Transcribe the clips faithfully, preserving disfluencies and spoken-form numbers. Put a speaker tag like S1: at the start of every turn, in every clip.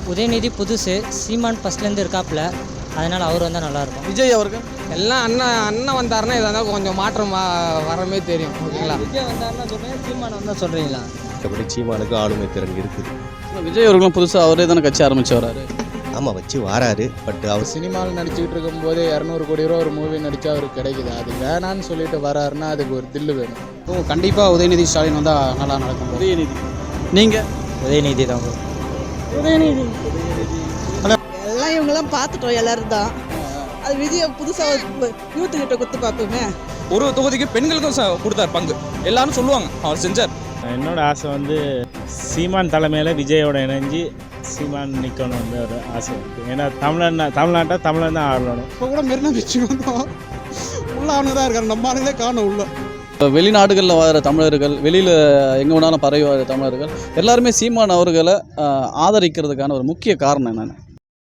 S1: உதயநிதி புதுசு, சீமான் ஃபஸ்ட்லேருந்து இருக்காப்புல, அதனால் அவர் வந்தால் நல்லாயிருக்கும்.
S2: விஜய் அவர்கள்
S3: எல்லாம் அண்ணன் அண்ணன் வந்தாருன்னா இதாக கொஞ்சம் மாற்றம் வரமே தெரியும். ஓகேங்களா?
S1: விஜய் வந்தாருன்னா சொல்கிறேன், சீமான் வந்தால் சொல்கிறீங்களா?
S4: மற்றபடி சீமானுக்கு ஆளுமை திறன் இருக்குது.
S2: விஜய் அவர்களும் புதுசாக அவரே தானே கட்சி ஆரம்பிச்சு வராரு.
S4: ஆமாம், வச்சு வாராரு. பட் அவர்
S5: சினிமாவில் நடிச்சுக்கிட்டு இருக்கும்போது இரநூறு கோடி ரூபா ஒரு மூவி நடித்தா அவருக்கு கிடைக்குது. அது வேணான்னு சொல்லிட்டு வராருன்னா அதுக்கு ஒரு தில்லு வேணும்.
S2: ஓ, கண்டிப்பாக உதயநிதி ஸ்டாலின் வந்தால் நல்லா நடக்கும். உதயநிதி நீங்கள்
S1: உதயநிதி தான்.
S6: உதயநிதி எல்லாம் இவங்கெல்லாம் பார்த்துட்டோம் எல்லாரும் தான். அது விஜய் புதுசாக யூத்துக்கிட்ட கொடுத்து பார்ப்போமே.
S7: ஒரு தொகுதிக்கு பெண்களுக்கும் கொடுத்தார் பங்கு, எல்லாரும் சொல்லுவாங்க அவர் செஞ்சார்.
S8: என்னோட ஆசை வந்து சீமான் தலைமையில் விஜயோட இணைஞ்சு சீமான் நிற்கணும் வந்து ஒரு ஆசை இருக்குது. ஏன்னா தமிழன் தமிழ்நாட்டை தமிழன் தான் ஆடணும்.
S5: இப்போ கூட மெரினா பீச்சுக்கு வந்தோம், உள்ள ஆளுங்க தான் இருக்காரு, நம்ம ஆளுங்களே காணும் உள்ள.
S2: வெளிநாடுகளில் வர தமிழர்கள், வெளியில் எங்கே வேணாலும் பரவி வர தமிழர்கள் எல்லாருமே சீமான் அவர்களை ஆதரிக்கிறதுக்கான ஒரு முக்கிய காரணம் என்னென்ன?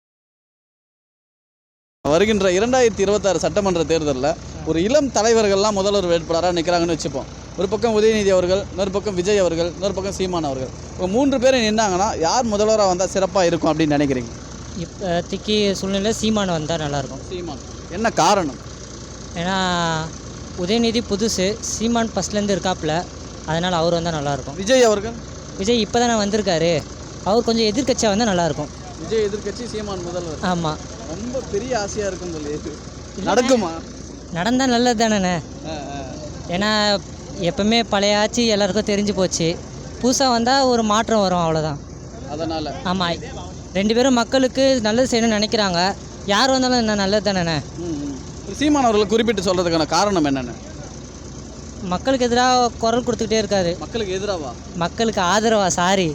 S2: வருகின்ற இரண்டாயிரத்தி இருபத்தாறு சட்டமன்ற தேர்தலில் ஒரு இளம் தலைவர்கள்லாம் முதல்வர் வேட்பாளராக நிற்கிறாங்கன்னு வச்சுப்போம். ஒரு பக்கம் உதயநிதி அவர்கள், இன்னொரு பக்கம் விஜய் அவர்கள், இன்னொரு பக்கம் சீமான் அவர்கள். இப்போ மூன்று பேரும் நின்னாங்கன்னா யார் முதல்வராக வந்தால் சிறப்பாக இருக்கும் அப்படின்னு நினைக்கிறீங்க?
S1: இப்போதைக்கு சூழ்நிலை சீமான் வந்தால் நல்லாயிருக்கும்.
S2: சீமான் என்ன காரணம்?
S1: ஏன்னா உதயநிதி புதுசு, சீமான் ஃபஸ்ட்லேருந்து இருக்காப்புல, அதனால் அவர் வந்தால் நல்லாயிருக்கும்.
S2: விஜய் அவர்கள்
S1: விஜய் இப்போ தானே வந்திருக்காரு, அவர் கொஞ்சம் எதிர்கட்சியாக வந்தால் நல்லாயிருக்கும்.
S2: விஜய் எதிர்கட்சி, சீமான் முதல்வர்.
S1: ஆமாம்,
S2: ரொம்ப பெரிய ஆசையாக இருக்கும் சொல்லி நடக்குமா?
S1: நடந்தால் நல்லது தானேண்ணே. ஏன்னா எப்பவுமே பழைய ஆட்சி எல்லாருக்கும் தெரிஞ்சு போச்சு, புதுசாக வந்தால் ஒரு மாற்றம் வரும், அவ்வளோதான்.
S2: அதனால்
S1: ஆமாம், ரெண்டு பேரும் மக்களுக்கு நல்லது செய்யணும்னு நினைக்கிறாங்க, யார் வந்தாலும் என்ன நல்லது தானேண்ணே.
S2: சீமான் அவர்களை குறிப்பிட்டு சொல்கிறதுக்கான காரணம் என்னென்ன?
S1: மக்களுக்கு எதிராக குரல் கொடுத்துக்கிட்டே இருக்காரு.
S2: மக்களுக்கு எதிராவா?
S1: மக்களுக்கு ஆதரவா, சாரி,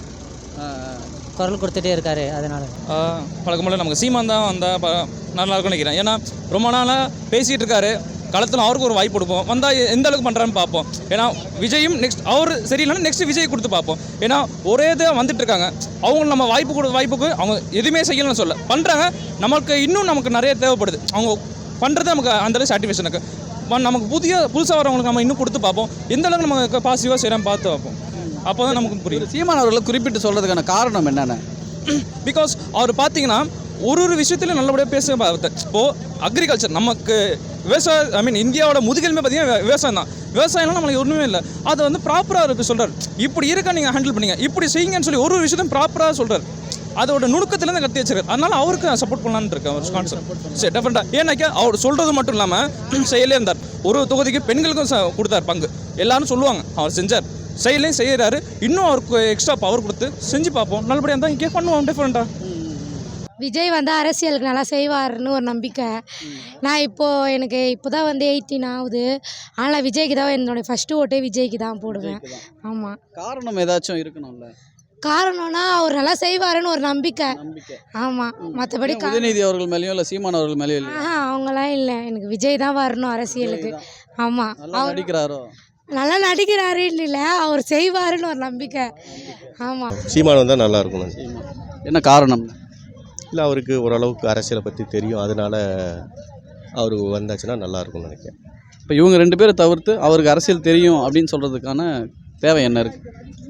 S1: குரல் கொடுத்துட்டே இருக்காரு. அதனால
S7: பழக்கம்போல நமக்கு சீமான் தான் வந்தால் நல்லா இருக்கும்னு நினைக்கிறேன். ஏன்னா ரொம்ப நாளாக பேசிகிட்டு இருக்காரு, களத்தில் அவருக்கு ஒரு வாய்ப்பு கொடுப்போம், வந்தால் எந்த அளவுக்கு பண்ணுறான்னு பார்ப்போம். ஏன்னா விஜயும் நெக்ஸ்ட் அவர் சரியில்லைன்னா நெக்ஸ்ட் விஜய் கொடுத்து பார்ப்போம். ஏன்னா ஒரே இதாக வந்துட்டு இருக்காங்க, அவங்க நம்ம வாய்ப்பு கொடு வாய்ப்புக்கு அவங்க எதுவுமே செய்யலன்னு சொல்ல பண்ணுறாங்க. நமக்கு இன்னும் நமக்கு நிறைய தேவைப்படுது, அவங்க பண்ணுறது நமக்கு அந்தளவு சாட்டிஸ்ஃபேக்ஷனுக்கு. நமக்கு புதிய புதுசாக வரவங்களுக்கு நம்ம இன்னும் கொடுத்து பார்ப்போம், எந்த அளவுக்கு நம்ம பாசிட்டிவாக செய்யலாம் பார்த்து பார்ப்போம். அப்போ தான் நமக்கு புரியுது.
S2: சீமான் அவர்களை குறிப்பிட்டு சொல்கிறதுக்கான காரணம் என்னென்ன?
S7: பிகாஸ் அவர் பார்த்தீங்கன்னா ஒரு ஒரு விஷயத்துலையும் நல்லபடியாக பேச பார்த்து. இப்போது அக்ரிகல்ச்சர் நமக்கு விவசாயம், ஐ மீன் இந்தியாவோட முதுகெலுமே பார்த்தீங்கன்னா விவசாயம் தான். விவசாயம்லாம் நம்மளுக்கு ஒன்றுமே இல்லை, அதை வந்து ப்ராப்பராக இருக்கு சொல்கிறார். இப்படி இருக்கா நீங்கள் ஹேண்டில் பண்ணிங்க, இப்படி செய்யுங்கன்னு சொல்லி ஒரு ஒரு விஷயத்தையும் ப்ராப்பராக சொல்கிறார். அதோட நுணுக்கத்துலேருந்து கட்டி வச்சிருக்காரு. அதனால அவருக்கு நான் சப்போர்ட் பண்ணலான்னு இருக்கேன். அவர் கான்செப்ட் சரி டெஃபரெண்டாக. ஏன்னாக்கா அவர் சொல்கிறது மட்டும் இல்லாமல் செயலே இருந்தார். ஒரு தொகுதிக்கு பெண்களுக்கும் கொடுத்தார் பங்கு, எல்லாரும் சொல்லுவாங்க அவர் செஞ்சார், செயலையும் செய்கிறாரு. இன்னும் அவருக்கு எக்ஸ்ட்ரா பவர் கொடுத்து செஞ்சு பார்ப்போம், நல்லபடியாக இருந்தால் இங்கே பண்ணுவோம் டிஃப்ரெண்ட்டாக.
S9: விஜய் வந்து அரசியலுக்கு நல்லா செய்வார்னு ஒரு நம்பிக்கை. நான் இப்போது எனக்கு இப்போ தான் வந்து எயிட்டீன் ஆகுது, ஆனால் விஜய்க்கு தான் என்னோடய ஃபஸ்ட்டு ஓட்டே விஜய்க்கு தான் போடுவேன். ஆமாம்.
S2: காரணம் ஏதாச்சும் இருக்கணும்ல?
S9: காரணம்னா அவர் நல்லா செய்வாருன்னு ஒரு நம்பிக்கை. ஆமாம், மற்றபடி
S2: உதயநிதி அவர்கள் மேலேயும் இல்லை சீமான் அவர்கள் மேலேயும் இல்லை?
S9: ஆ அவங்களாம் இல்லை, எனக்கு விஜய் தான் வரணும் அரசியலுக்கு. ஆமாம்,
S2: அவர் நடிக்கிறாரோ?
S9: நல்லா நடிக்கிறாருன்னு இல்லை, அவர் செய்வாருன்னு ஒரு நம்பிக்கை. ஆமாம்,
S4: சீமான் வந்தால் நல்லா இருக்கணும்.
S2: என்ன காரணம்?
S4: இல்லை, அவருக்கு ஓரளவுக்கு அரசியலை பற்றி தெரியும், அதனால் அவர் வந்தாச்சுன்னா நல்லா இருக்கும்னு நினைக்கிறேன்.
S2: இப்போ இவங்க ரெண்டு பேரை தவிர்த்து அவருக்கு அரசியல் தெரியும் அப்படின்னு சொல்கிறதுக்கான தேவை என்ன இருக்குது?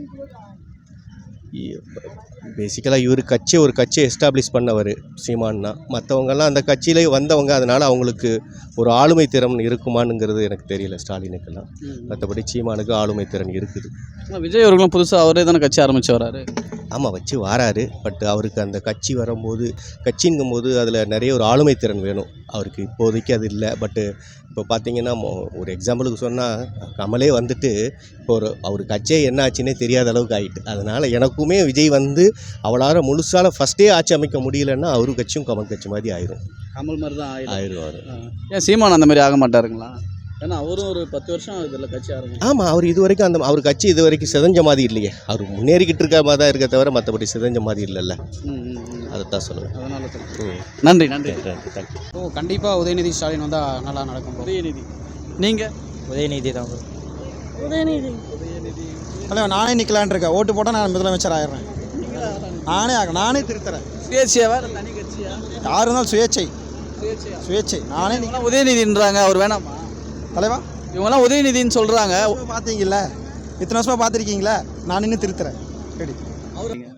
S4: பேசிக்கலாக இவர் கட்சியை ஒரு கட்சியை எஸ்டாப்ளிஷ் பண்ணவர் சீமான்னா. மற்றவங்கெல்லாம் அந்த கட்சியிலே வந்தவங்க, அதனால் அவங்களுக்கு ஒரு ஆளுமை திறன் இருக்குமானுங்கிறது எனக்கு தெரியல ஸ்டாலினுக்கெல்லாம். மற்றபடி சீமானுக்கு ஆளுமை திறன் இருக்குது.
S2: விஜய் அவர்களும் புதுசாக அவரே தானே கட்சி ஆரம்பித்து வராரு.
S4: ஆமாம், வச்சு வாராரு. பட் அவருக்கு அந்த கட்சி வரும்போது, கட்சிங்கும் போது அதில் நிறைய ஒரு ஆளுமை திறன் வேணும். அவருக்கு இப்போதைக்கு அது இல்லை. பட்டு இப்போ பார்த்தீங்கன்னா ஒரு எக்ஸாம்பிளுக்கு சொன்னால் கமலே வந்துட்டு இப்போ ஒரு அவர் கட்சியே என்ன ஆச்சுன்னே தெரியாத அளவுக்கு ஆகிட்டு. அதனால் எனக்குமே விஜய் வந்து அவளால் முழுசால ஃபஸ்ட்டே ஆட்சி அமைக்க முடியலன்னா அவரு கட்சியும் கமல் கட்சி மாதிரி ஆயிரும்.
S2: கமல் மாதிரி தான்
S4: ஆயிடுவார்.
S2: ஏன் சீமான் அந்த மாதிரி ஆக மாட்டாருங்களா? ஏன்னா அவரும் ஒரு பத்து வருஷம் இதில் கட்சி ஆரம்பிச்சு.
S4: ஆமாம், அவர் இது வரைக்கும் அந்த அவர் கட்சி இது வரைக்கும் சிதஞ்ச மாதிரி இல்லையே. அவர் முன்னேறிக்கிட்டு இருக்க மாதிரி தான் இருக்க தவிர மற்றபடி சிதஞ்ச மாதிரி இல்லைல்ல. அதைத்தான் சொல்லுவேன்.
S2: அதனால நன்றி நன்றி
S4: தேங்க்யூ.
S5: ஓ, கண்டிப்பாக உதயநிதி ஸ்டாலின் வந்தால் நல்லா நடக்கும்.
S2: உதயநிதி நீங்கள்?
S1: உதயநிதி தான்.
S9: உதயநிதி
S5: அல்ல, நானே நிற்கலான் இருக்கேன். ஓட்டு போட்டால் நான் முதலமைச்சர் ஆயிடுறேன். நானே ஆக நானே திருத்துறேன்.
S2: சுயேட்சையா தனி கட்சியா?
S5: யார் இருந்தாலும் சுயேட்சை. சுயேட்சை நானே
S2: உதயநிதின்றாங்க, அவர் வேணாமா
S5: தலைவா?
S2: இவங்கெல்லாம் உதயநிதின்னு சொல்கிறாங்க.
S5: பார்த்தீங்களா, இத்தனை வருஷமாக பார்த்துருக்கீங்களா? நான் இன்னும் திருத்துறேன். சரி,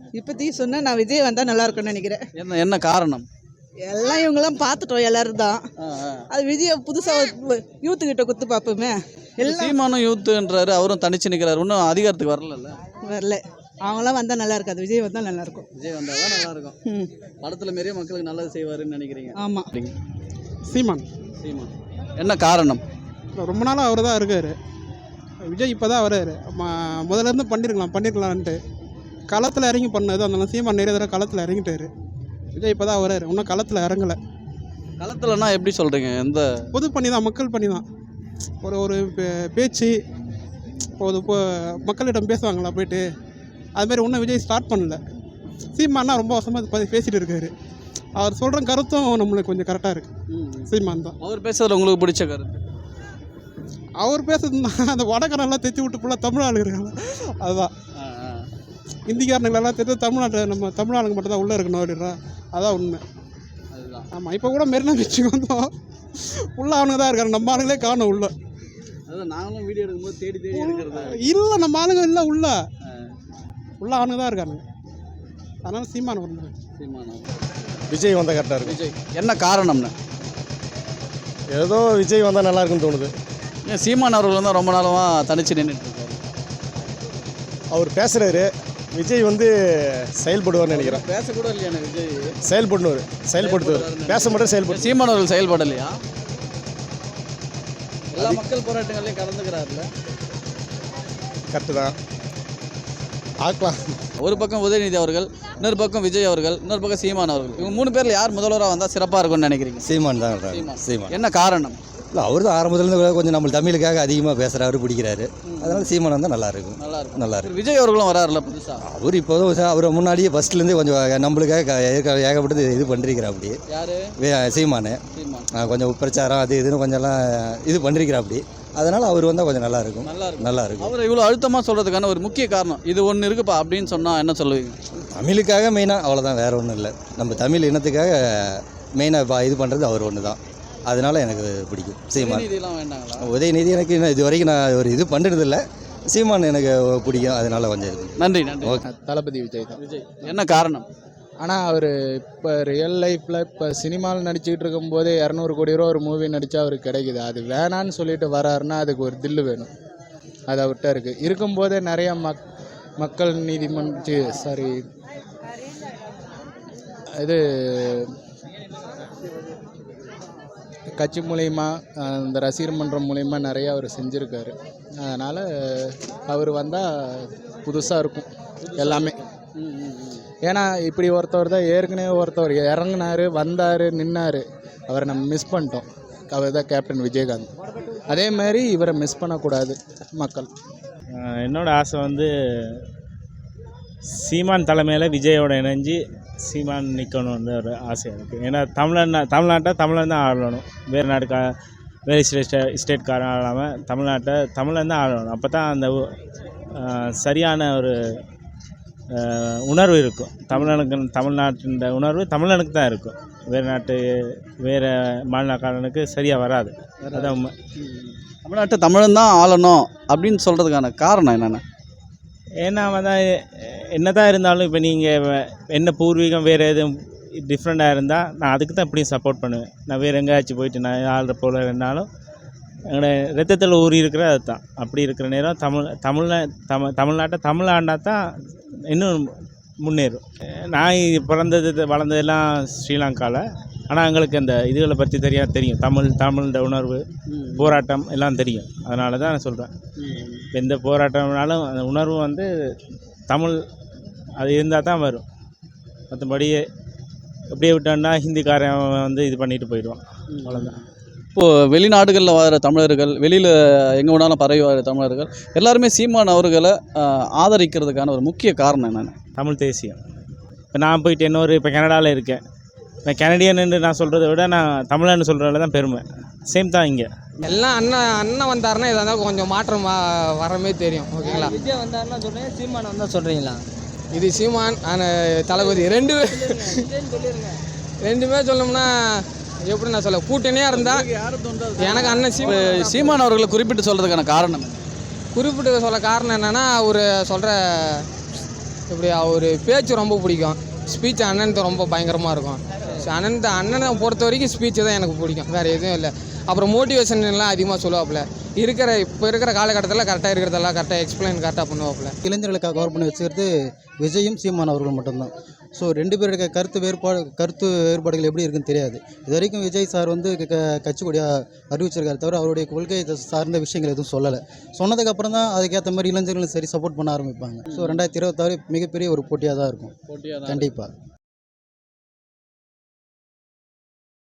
S6: இப்போதைக்கு சொன்னால் நான் விஜய் வந்தால் நல்லா இருக்கும்னு நினைக்கிறேன்.
S2: என்ன என்ன காரணம்?
S6: எல்லாம் இவங்கெல்லாம் பார்த்துட்டோம் எல்லாரும் தான்.
S2: ஆ, ஆ.
S6: அது விஜய் புதுசாக யூத்துக்கிட்ட குத்து பார்ப்போமே. எல்லாம்
S2: சீமானும் யூத்துன்றாரு, அவரும் தனிச்சு நிற்கிறாரு, இன்னும் அதிகாரத்துக்கு வரல.
S6: வரல. அவங்களாம் வந்தால் நல்லா இருக்காது, விஜய் வந்தால் நல்லா இருக்கும்.
S2: விஜய் வந்தால் தான் நல்லா இருக்கும்.
S6: ம்
S2: படத்தில் மாரியே மக்களுக்கு நல்லது செய்வாருன்னு நினைக்கிறீங்க?
S6: ஆமாம்.
S5: சீமான்
S2: சீமான் என்ன காரணம்?
S5: ரொம்ப நாளாக அவர் தான் இருக்கார். விஜய் இப்போ தான் வர்றாரு. ம- முதல்ல இருந்து பண்ணியிருக்கலாம் பண்ணியிருக்கலான்ட்டு களத்தில் இறங்கி பண்ணது. அதனால சீமான் நிறைய தடவை களத்தில் இறங்கிட்டாரு. விஜய் இப்போ தான் வர்றாரு, இன்னும் களத்தில் இறங்கலை.
S2: களத்துலன்னா எப்படி சொல்கிறீங்க? எந்த
S5: பொது பண்ணி தான், மக்கள் பண்ணி தான். ஒரு ஒரு பே- பேச்சு ஒரு இப்போ மக்களிடம் பேசுவாங்களா போயிட்டு, அதுமாரி இன்னும் விஜய் ஸ்டார்ட் பண்ணல. சீமான்னா ரொம்ப வருஷமாக பேசிகிட்டு இருக்காரு. அவர் சொல்கிற கருத்தும் நம்மளுக்கு கொஞ்சம் கரெக்டாக இருக்குது. சீமான் தான்.
S2: அவர் பேசுறதுல உங்களுக்கு பிடிச்ச கருத்து?
S5: அவர் பேசுறதுனா அந்த வடக்கரெல்லாம் தைச்சி விட்டு ஃபுல்லாக தமிழ் ஆளுங்க இருக்காங்க, அதுதான்.
S2: ஆ, ஆ.
S5: இந்திக்காரனுங்களெல்லாம் தெரிஞ்சு தமிழ்நாட்டில் நம்ம தமிழ் ஆளுங்க மட்டும் தான் உள்ளே இருக்கணும் அப்படின்றா, அதான் உண்மை.
S2: அதுதான்.
S5: ஆமாம், இப்போ கூட மெரினா பீச்சுக்கு வந்தோம், உள்ள ஆளுங்க தான் இருக்காங்க, நம்ம ஆளுங்களே காணும் உள்ள.
S2: அதான் நாங்களும் வீடியோ எடுக்கும்போது தேடி தேடி எடுக்கிறது.
S5: இல்லை, நம்ம ஆளுங்க இல்லை, உள்ள உள்ள ஆளுங்க தான் இருக்காங்க. அதனால சீமான ஒன்று.
S2: சீமானா?
S4: விஜய் வந்தால் கரெக்டாக இருக்கும்.
S2: விஜய் என்ன காரணம்னு?
S4: ஏதோ விஜய் வந்தால் நல்லா இருக்குன்னு தோணுது.
S2: ஏன் சீமான் அவர்கள் தான் ரொம்ப நாளமாக தனிச்சு நின்றுட்டு இருக்காரு?
S4: அவர் பேசுகிறாரு, விஜய் வந்து செயல்படுவார்னு நினைக்கிறேன்.
S2: பேசக்கூட இல்லையா விஜய்?
S4: செயல்படுவார், செயல்படுத்துவார், பேச மாட்டேன் செயல்படு.
S2: சீமான் அவர்கள் செயல்படலையா? எல்லா மக்கள் போராட்டங்களையும் கலந்துக்கிறாருல்ல?
S4: கரெக்டு தான், பார்க்கலாம்.
S2: ஒரு பக்கம் உதயநிதி அவர்கள், இன்னொரு பக்கம் விஜய் அவர்கள், இன்னொரு பக்கம் சீமான் அவர்கள். இவங்க மூணு பேரில் யார் முதல்வராக வந்தால் சிறப்பாக இருக்கும்னு நினைக்கிறீங்க?
S10: சீமான் தான்
S2: சீமான்.
S10: சீமான்
S2: என்ன காரணம்?
S10: இல்லை, அவர் தான் ஆரம்பத்துலேருந்து கொஞ்சம் நம்ம தமிழுக்காக அதிகமாக பேசுகிறாரு, பிடிக்கிறாரு. அதனால் சீமான் வந்தால் நல்லாயிருக்கும்.
S2: நல்லா இருக்கும்.
S10: நல்லா இருக்கும்.
S2: விஜய் அவர்களும் வராருல்ல புதுசாக?
S10: அவர் இப்போதும் அவர் முன்னாடியே ஃபஸ்ட்லேருந்தே கொஞ்சம் நம்மளுக்காக ஏக ஏகப்பட்டது இது பண்ணிருக்கிறா. அப்படி
S2: யாரு?
S10: சீமானு
S2: சீமான்
S10: கொஞ்சம் பிரச்சாரம் அது இதுன்னு கொஞ்சம்லாம் இது பண்ணிருக்கிறா. அப்படி அதனால் அவர் வந்தால் கொஞ்சம் நல்லாயிருக்கும்.
S2: நல்லா இருக்கும்.
S10: நல்லா இருக்கும்.
S2: அவர் இவ்வளோ அழுத்தமாக சொல்கிறதுக்கான ஒரு முக்கிய காரணம் இது ஒன்று இருக்குப்பா அப்படின்னு சொன்னால் என்ன சொல்லுவீங்க?
S10: தமிழுக்காக மெயினாக, அவ்வளோதான், வேறு ஒன்றும் இல்லை. நம்ம தமிழ் இனத்துக்காக மெயினாக இப்போ இது பண்ணுறது அவர் ஒன்று தான். அதனால் எனக்கு பிடிக்கும் சீமான்.
S2: இதெல்லாம் வேண்டாங்களா?
S10: உதயநிதி எனக்கு இன்னும் இது வரைக்கும் நான் ஒரு இது பண்ணுறதில்ல. சீமான் எனக்கு பிடிக்கும், அதனால கொஞ்சம் இது.
S2: நன்றி நன்றி.
S10: ஓகே.
S5: தளபதி விஜய் தான்.
S2: விஜய் என்ன காரணம்?
S5: ஆனால் அவர் இப்போ ரியல் லைஃப்பில் இப்போ சினிமாவில் நடிச்சுக்கிட்டு இருக்கும்போதே இரநூறு கோடி ரூபா ஒரு மூவி நடித்தா அவருக்கு கிடைக்குது. அது வேணான்னு சொல்லிட்டு வராருன்னா அதுக்கு ஒரு தில்லு வேணும். அது அவர்கிட்ட இருக்குது. இருக்கும்போதே நிறைய மக் மக்கள் நீதிமன்ற சாரி இது கட்சி மூலயமா இந்த ரசிகர் மன்றம் மூலயமா நிறையா அவர் செஞ்சுருக்காரு. அதனால் அவர் வந்தால் புதுசாக இருக்கும் எல்லாமே. ஏன்னா இப்படி ஒருத்தவர் தான் ஏற்கனவே ஒருத்தவர் இறங்குனார், வந்தார், நின்னார், அவரை நம்ம மிஸ் பண்ணிட்டோம். அவர் தான் கேப்டன் விஜயகாந்த். அதே மாதிரி இவரை மிஸ் பண்ணக்கூடாது மக்கள்.
S8: என்னோடய ஆசை வந்து சீமான் தலைமையில் விஜயோட இணைஞ்சு சீமான் நிற்கணும் வந்து ஒரு ஆசை இருக்குது. ஏன்னா தமிழ்நாடு தமிழ்நாட்டை தமிழன் தான் ஆளணும். வேறு நாட்டுக்கா வேறு ஸ்டேட் ஸ்டேட்காரன் ஆளாமல் தமிழ்நாட்டை தமிழன் தான் ஆளணும். அப்போ தான் அந்த சரியான ஒரு உணர்வு இருக்கும். தமிழனுக்கு தமிழ்நாட்டின் உணர்வு தமிழனுக்கு தான் இருக்கும். வேறு நாட்டு வேறு மாநிலக்காரனுக்கு சரியாக வராது. அதான் உண்மை.
S2: தமிழ்நாட்டை தமிழன் தான் ஆளணும் அப்படின்னு சொல்கிறதுக்கான காரணம் என்னென்ன?
S8: ஏன்னா தான் என்ன தான் இருந்தாலும் இப்போ நீங்கள் என்ன பூர்வீகம் வேறு எதுவும் டிஃப்ரெண்ட்டாக இருந்தால் நான் அதுக்கு தான் இப்படியும் சப்போர்ட் பண்ணுவேன். நான் வேறு எங்கேயாச்சும் போயிட்டு நான் ஆள்ற போல் இருந்தாலும் எங்களோட ரத்தத்தில் ஊறி இருக்கிற அது தான். அப்படி இருக்கிற நேரம் தமிழ் தமிழ்நா தமிழ் தமிழ்நாட்டை தமிழ் ஆண்டா தான் இன்னும் முன்னேறும். நான் பிறந்தது வளர்ந்ததெல்லாம் ஸ்ரீலங்காவில். ஆனால் எங்களுக்கு அந்த இதுகளை பற்றி தெரியா தெரியும் தமிழ் தமிழோட உணர்வு போராட்டம் எல்லாம் தெரியும். அதனால தான் நான் சொல்கிறேன், எந்த போராட்டம்னாலும் அந்த உணர்வு வந்து தமிழ் அது இருந்தால் தான் வரும். மற்றபடி அப்படியே விட்டோன்னா ஹிந்திக்காரன் வந்து இது பண்ணிட்டு போயிடுவான், அவ்வளோதான்.
S2: இப்போது வெளிநாடுகளில் வாழ்கிற தமிழர்கள், வெளியில் எங்கே வேணாலும் பரவி வாழ்கிற தமிழர்கள் எல்லாருமே சீமான் அவர்களை ஆதரிக்கிறதுக்கான ஒரு முக்கிய காரணம் என்னென்ன?
S8: தமிழ் தேசியம். இப்போ நான் போயிட்டு இன்னொரு இப்போ கனடாவில் இருக்கேன், நான் கனடியன்னு நான் சொல்கிறத விட நான் தமிழன்னு சொல்கிறதுல தான் பெருமை. சேம் தான் இங்கே
S3: எல்லாம் அண்ணன் அண்ணன் வந்தாருன்னா இதாக இருந்தால் கொஞ்சம் மாற்றம் வரமே தெரியும். ஓகேங்களா?
S1: விஜய் வந்தாருன்னா சொல்கிறீங்க, சீமான் வந்தால் சொல்கிறீங்களா?
S3: இது சீமான் தளபதி ரெண்டு ரெண்டுமே சொல்லணும்னா எப்படி நான் சொல்ல, கூட்டணியாக இருந்தால் எனக்கு அண்ணன் சீமா
S2: சீமான் அவர்களை குறிப்பிட்டு சொல்கிறதுக்கான காரணம்?
S3: குறிப்பிட்டு சொல்ல காரணம் என்னென்னா அவர் சொல்கிற இப்படி அவர் பேச்சு ரொம்ப பிடிக்கும். ஸ்பீச் அண்ணனுக்கு ரொம்ப பயங்கரமாக இருக்கும். ஸோ அண்ணன் அண்ணனை பொறுத்த வரைக்கும் ஸ்பீச்சு தான் எனக்கு பிடிக்கும், வேறு எதுவும் இல்லை. அப்புறம் மோட்டிவேஷன் எல்லாம் அதிகமாக சொல்லுவாப்புல. இருக்கிற இப்போ இருக்கிற காலகட்டத்தில் கரெக்டாக இருக்கிறதெல்லாம் கரெக்டாக எக்ஸ்பிளைன் கரெக்டாக பண்ணுவாப்புல.
S11: இளைஞர்களுக்காக கவர் பண்ணி வச்சுக்கிறது விஜயும் சீமான் அவர்கள் மட்டும்தான். ஸோ ரெண்டு பேருடைய கருத்து வேறுபாடு கருத்து வேறுபாடுகள் எப்படி இருக்குன்னு தெரியாது. இது வரைக்கும் விஜய் சார் வந்து க கட்சி கொடியாக அறிவிச்சிருக்காரு தவிர அவருடைய கொள்கை சார்ந்த விஷயங்கள் எதுவும் சொல்லலை. சொன்னதுக்கப்புறம் தான் அதுக்கேற்ற மாதிரி இளைஞர்களும் சரி சப்போர்ட் பண்ண ஆரம்பிப்பாங்க. ஸோ ரெண்டாயிரத்தி இருபத்தாறு மிகப்பெரிய ஒரு போட்டியாக தான் இருக்கும்.
S2: போட்டியாக
S11: கண்டிப்பாக.